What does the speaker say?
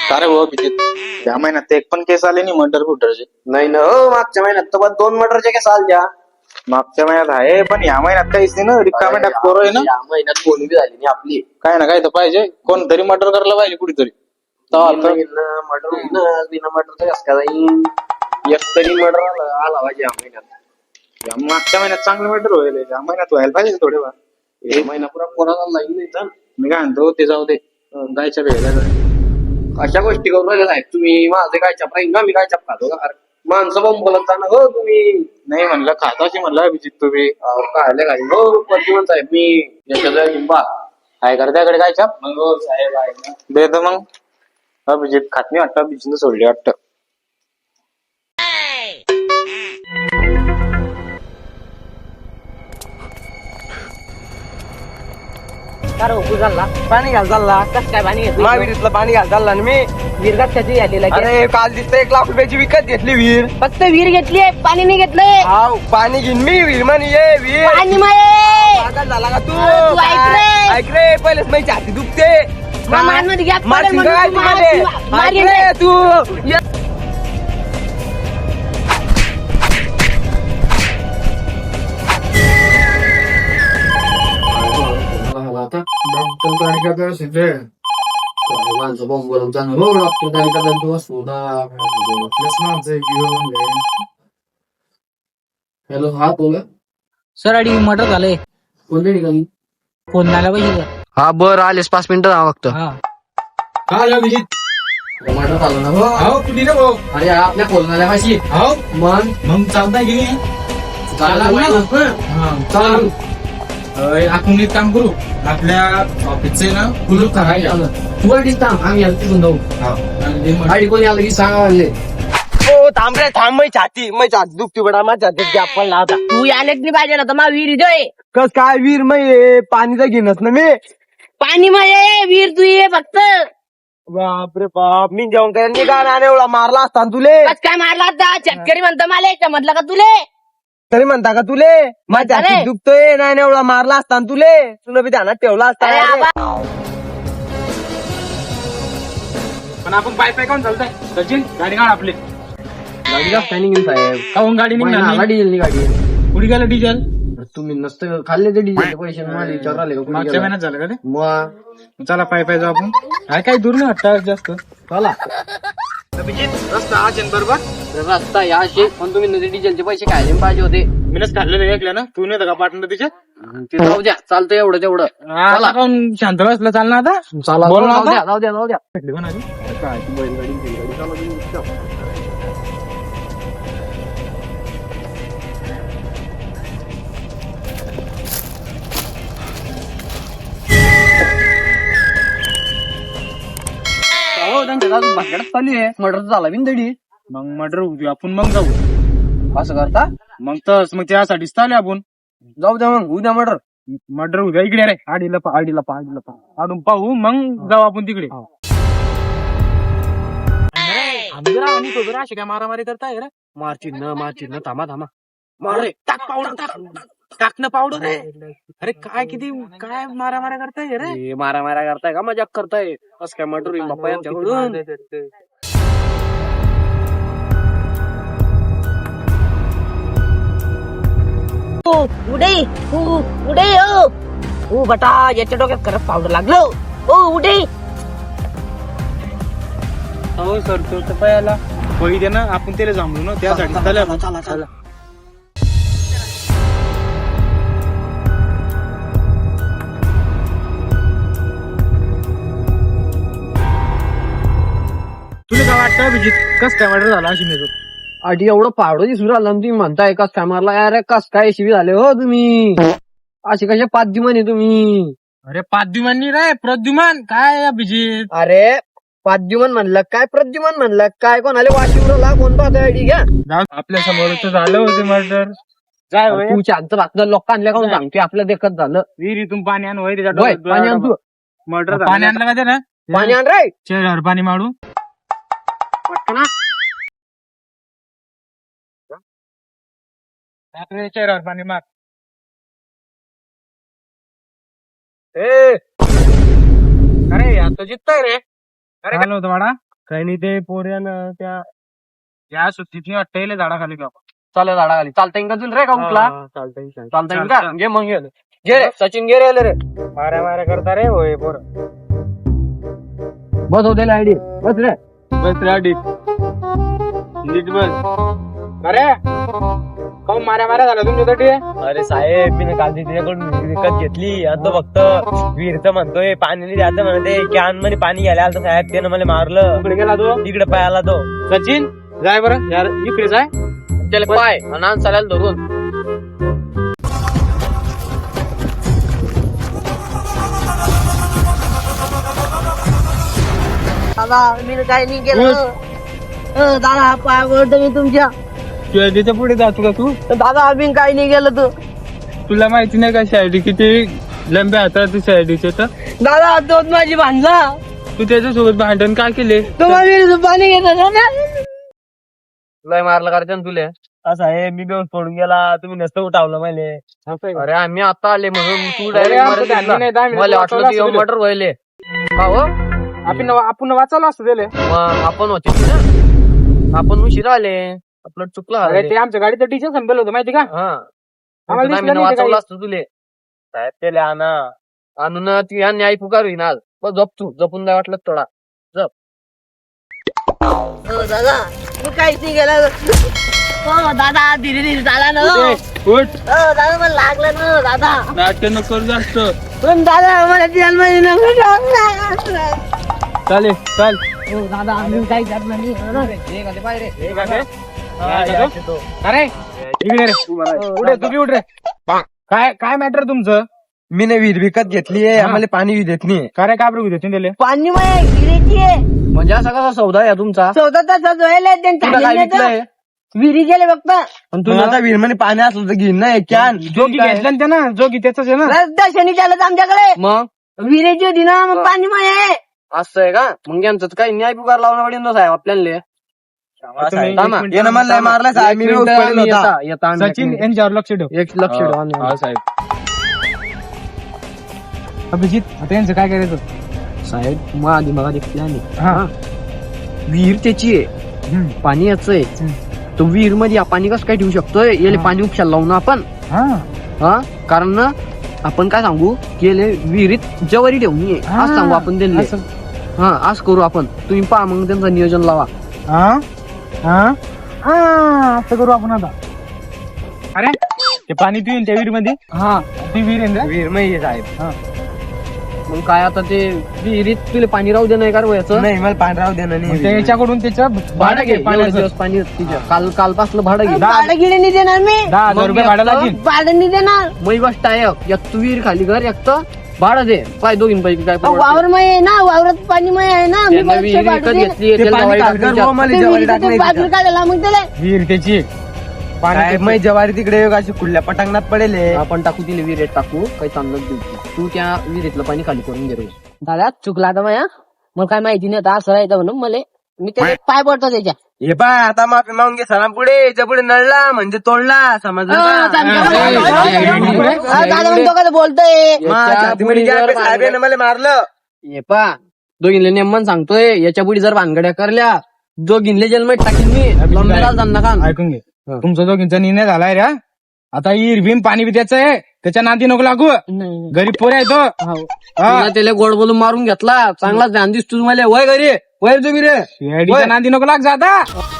अरे भाऊ अभिजित, या महिन्यात एक पण केस आले नाही मर्डर फुटरचे. नाही ना हो, मागच्या महिन्यात तर बस 2 मर्डरचे केस आलत्या. मागच्या महिन्यात आहे पण या महिन्यात काहीच नाही ना. रिकामे टाक पोरं आहे ना. या महिन्यात कोणी बी झाली नाही आपली. काय ना काय तर पाहिजे, कोणतरी मर्डर करायला पाहिजे कुठेतरी. मर्डर होईन, बिना मर्डरचं कस काय जाईन? एक तरी मर्डर आला पाहिजे या महिन्यात. मागच्या महिन्यात चांगलं मर्डर होईल, या महिन्यात व्हायला पाहिजे थोडेफार. एक महिना पुरा कोणाला लाईन नाही तर. मी काय म्हणतो ते जाऊ दे, जायच्या वेळेला अशा गोष्टी करून राहिल्या साहेब तुम्ही. माझे काय चप राहील का? मी काय चप खातो का? माणसं बॉम्ब बोलत जाणं हो तुम्ही. नाही म्हणलं खाताची म्हणलं अभिजित तुम्ही. काय काय हो प्रतिमन साहेब मी याच्या लिंबा काय करताकडे काय छाप मग हो साहेब आहे ना. दे तर मग. अभिजित खात नाही वाटतं, अभिजित सोडली वाटतं. पाणी घाल चालला. कस काय पाणी घेतलं? महावीरीतलं पाणी घाल चालला ना मी. विहीर कशाची घातलेला? अरे काल दिसतं 1 लाख रुपयाची विकत घेतली विहीर. फक्त विहीर घेतली, पाणी नाही घेतलंय. हाव पाणी घेईन मी विहीर म्हण ये विहीर. पाणी माये. पागल झाला का तू? तू ऐक रे. ऐक रे, पहिलेच माझी छाती दुखते. मारमध्ये गॅप पडेल मारशील म्हणून काय तू तू मार- मध्ये? मार ऐक गेले. रे तू. ये. हॅलो, हा बोल. सर अडी मर्डर झालंय. कोणत्या ठिकाणी? फोन झाला पाहिजे. हा बर आलेस 5 मिनिटं जावं फक्त. हा काय अभिजित? मर्डर झालं ना? हो कुठे रे भाऊ? अरे आपल्या कोलनाल्या पाशी. हो मग चालता की नाही? आपण एक काम करू, आपल्या ऑफिसचे ना कुलूप करायला तू आम्ही तिथून जाऊ. गाडी कोणी आलं की सांगा. ओ थांब रे थांब. माझी छाती दुखती बडा. माझ्या छातीत गॅप पडला आता. तू यायलाच नाही पाहिजे ना, तर मग विहीर देय. कस काय विहीर मै पाणीचा घेणच ना मी. पाणी माये विहीर तू ये फक्त. बापरे बाप. मी जेवण करायला निघाला आणि एवढा मारला असता ना तुले. कस काय मारला आता? शेतकरी म्हणतो मला एक म्हटलं का तुले? तरी म्हणता का तुले? माझ्या अरे. छातीत दुखतोय नाही एवढा मारला असता ना तुले. तुला बी ध्यानात ठेवला असता. अरे आबा. पण आपण पाय पाय काऊन चालताय सचिन? गाडी काढ आपली. गाडी का स्टँडिंग साहेब? काऊन गाडी निघणार डिझेल गाडी. कुठे गेलं डिझेल? तुम्ही नसतं खाल्ले ते डिझेलचे पैसे मला विचार आले का? मागच्या महिन्यात झालं का ते? मग चला पाय पाय जाऊ आपण. काय काही दूर नाही वाटतं जास्त. चला. रस्ता हा बरोबर. रस्ता या असे पण तुम्ही नदी डिझेलचे पैसे खायला पाहिजे होते. मीनच खाल्लेलं ऐकलं ना. तू नाही का पार्टनर तिच्या? ते जाऊ द्या, चालतं एवढं तेवढं. चला काऊन शांत बसलं चालणार आता. चला बोल ना जाऊ द्या आता. जाऊ द्या जाऊ द्या. भेटली कोण आली? काय ती बैलगाडी बैलगाडी चालवली. हो त्यांच्या अजून भानगडच चालू आहे. मर्डर झाला बिंदडी. मग मर्डर होऊ आपण मग जाऊ. असं करता? मग तस मग त्यासाठीच चालू आपण. जाऊ द्या मग उद्या मर्डर. मर्डर होऊ द्या इकडे रे. आडीला आडून पाहू मग जाऊ आपण तिकडे. अशी काय मारामारी करताय रे? मारचिन्ह थांबा थांबा. मार रे. टाक पावडर टाकणं पावडर रे. अरे काय किती काय मारामाऱ्या करताय रे? मारा करताय का? मजाक करताय? असं काय मर्डर होईल बाप्पा यांच्याकडून? उडे उडे ओ बटा, याच्या डोक्यात खरंच पावडर लागलो. ओ उडे. हो सर तो तर पायाला वही दे ना. आपण त्याला जांभळू ना त्यासाठी चला. तुला काय वाटतं अभिजित? कस काय मर्डर झाला अशी नाही? आधी एवढं पावडं दिसून राहिलं तुम्ही म्हणताय कस काय मारला? अरे कस काय शिवी झाले हो तुम्ही? अशी कशा 5 दिमाने तुम्ही? अरे पाद्युमान रे. प्रद्युमान काय अभिजित? अरे पाद्युमन म्हणलं काय? प्रद्युमन म्हणलं काय? कोणाला वाशिवरला कोण पाहतोय आयडी घ्या. आपल्या समोर तर झालं होतं मर्डर. जाय होय. तू शांत बातलं लोकांना काऊन सांगतोय? आपलं देखत झालं. विहिरीतून पाणी आण होय त्याच्या होय, पाणी आण तू. मर्डर पाणी आणलं का ते ना? पाणी आण रे. चेहऱ्यावर पाणी मारू. चेहऱ्यावर पाणी मार. अरे आता जितताय रे. अरे होतं वाडा काही नाही ते पोऱ्यानं त्या या सुट्टीत वाटतं झाडाखाली का चालेल झाडाखाली चालता येईल का तुला रे का कुठला चालतंय चालता येईल का घे मग घे रे सचिन घे रे माऱ्या माऱ्या करता रे होय पोर बस होते आयडी बस रे बस रेडी नीट बस अरे काऊन माऱ्या माऱ्या झाला तुमच्यासाठी अरे साहेब मी काल तिच्याकडून विकत घेतली आणि तो फक्त विहिरचं म्हणतोय पाणी नाही द्यायचं म्हणते कॅन मध्ये पाणी घ्यायला आलं साहेब त्यानं मला मारलं. इकडे गेला तो तिकडे पायाला तो. सचिन जाय बरं यार इकडे जाय त्याला पाय आणि चालायला धरून दादा मी काही नाही केलं दादा पाय पडतो मी तुमच्या त्याच्या पुढे जातो का तू दादा आम्ही काही नाही केलं तू तुला माहिती नाही का शायरी किती लंब्या हातात शायरीचे तर दादा तोच माझी भांडला तू त्याच्यासोबत भांडण का केले तो माझी पाणी घेतो लय मारलं करायचं ना तुले साहेब मी बेऊन पडून गेला तुम्ही नसतं उठावलं मला. अरे आम्ही आता आले म्हणून तू अरे, आमचं ध्यान नाही, 10 डायरेक्ट मिनिटं मला वाटलं वाचवलं तू असतं मटर व्हायले का हो आपण वाचायला असतो त्याले मग आपण होते ना आपण उशिरा आले आपलं चुकलं अरे आले. ते आमच्या गाडीचं टीचर संपेल होतं माहिती का हा आम्हाला दिसलं नाही ते वाचवलं काही. असतं तुले साहेब त्याला आणा. आणून ती या न्याय पुकार होईन आज बस झोप तू जपून नाही वाटलं थोडा दादा मी काहीच नाही केलं हो दादा धीरे धीरे झाला ना हो उठ दादा मला लागलं ना दादा नाटक नको करू जास्त पण दादा मला जन्माची नको चालेल चाल हो दादा आम्ही काही करणार नाही अरे इकडे रे उठ रे, तू बी उठ रे काय काय मॅटर तुमचं मी नाही विहीर विकत घेतलीये आम्हाला पाणी देत नाही. काय रे काय बरं देते त्याला पाणी मग गिरीची आहे म्हणजे असा कसा सौदा आहे तुमचा चौदा तासात व्हायला तुला काय विकलंय विहिरी गेले फक्त पण तुला आता विहीर मध्ये पाणी असलं तर घेईन ना एक कॅन. जोगी घेतला ना त्यानं जोगी त्याच आहे ना रस्ता शनी चालत आमच्याकडे मग विहिरीची होती ना मग पाणी मग आहे असं आहे का मग यांचं तर काही न्याय पुकार लावणं पडेल ना साहेब आपल्याला तुम्ही थांबा. एक मिनिट, यानं मला लय मारलं साहेब मी एक बेहोश मिनिट, पडेल आम्ही होता. येता आम्ही सचिन एक यांच्यावर लक्ष ठेव मिनिट. एक लक्ष ठेवा आम्ही. हा साहेब अभिजित आता यांचं काय करायचं साहेब मग आधी मला देखील आणि हा विहीर त्याची आहे पाणी याच आहे तो विहीर मध्ये पाणी कसं काय ठेवू शकतोय याला पाणी उपशाला लावून आपण हा हा कारण ना आपण काय सांगू की याले विहिरीत जवारी ठेवून ये आज सांगू आपण त्यांना असं. हा आज करू आपण तुम्ही पहा मग त्यांचं नियोजन लावा हा हा हा असं करू आपण आता अरे ते पाणी पिऊन त्या विहीर मध्ये हा ती विहीर आहे ना? विहीर मध्ये साहेब मग काय आता ते विहिरीत तुला पाणी राहू दे नाही का याचं नाही मला पाणी राहू देणार मग नाही. त्याच्याकडून त्याचं भाडं घे एवढे पाण्याचं दिवस पाणी तिच्या काल पासलं भाडं घे भाडं गिडे नाही देणार मी 10,000 रुपये भाडं लागेल भाडं नाही देणार मग गोष्ट आहे एक तू विहीर खाली घर एक तर भाडं दे काय दोघींपैकी काय अहो, वावर मय आहे ना वावरात पाणी मय आहे ना मी त्यांना पैसे विहीर भाडं विकत देईन. घेतली ते त्याला पाणी जवारी काढकर टाकली बुवा, मला ते जवारी विहिरीचं टाकण्याची बाजूला इच्छा. काढायला मग त्याला विहीर त्याची पाणी साहेब मी जवारी तिकडे अशी खुल्या पटांगणात पडेल आहे. आपण टाकू तिला विहिरीत टाकू काही चांगलं देऊ तू त्या विहिरीतलं पाणी खाली करून घे रोज. दादा चुकला आता माया मला काय माहिती नाही आता असं राहायचं म्हणून मला मी त्याचे पाय पडतो त्याच्या हे पा आता माफी मागून घे सरा पुढे याच्या पुढे नळला म्हणजे तोडला समजलं का? दादा म्हणतो का बोलतोय माझ्या हातीमध्ये याच्या गॅप आहे, पुढे साहेबांनी मला मारलं ये पा दोघींले नेमन सांगतोय याच्या पुढे जर भानगड्या करल्या दोघींले जन्मात टाकीन मी लंबेला जाणार का ऐकून घे तुमचा दोघींचा निर्णय झालाय रे हा? आता विहीर भीम पाणी बी त्याचं आहे त्याच्या नादी नको लागू नाही. गरीब पोर आहे तो हा. तुला त्याला गोड बोलून मारून घेतला चांगला ध्यान दिसतो मला वय घरी वय तुम्ही रे शिर्डीच्या नादी नको लाग जाता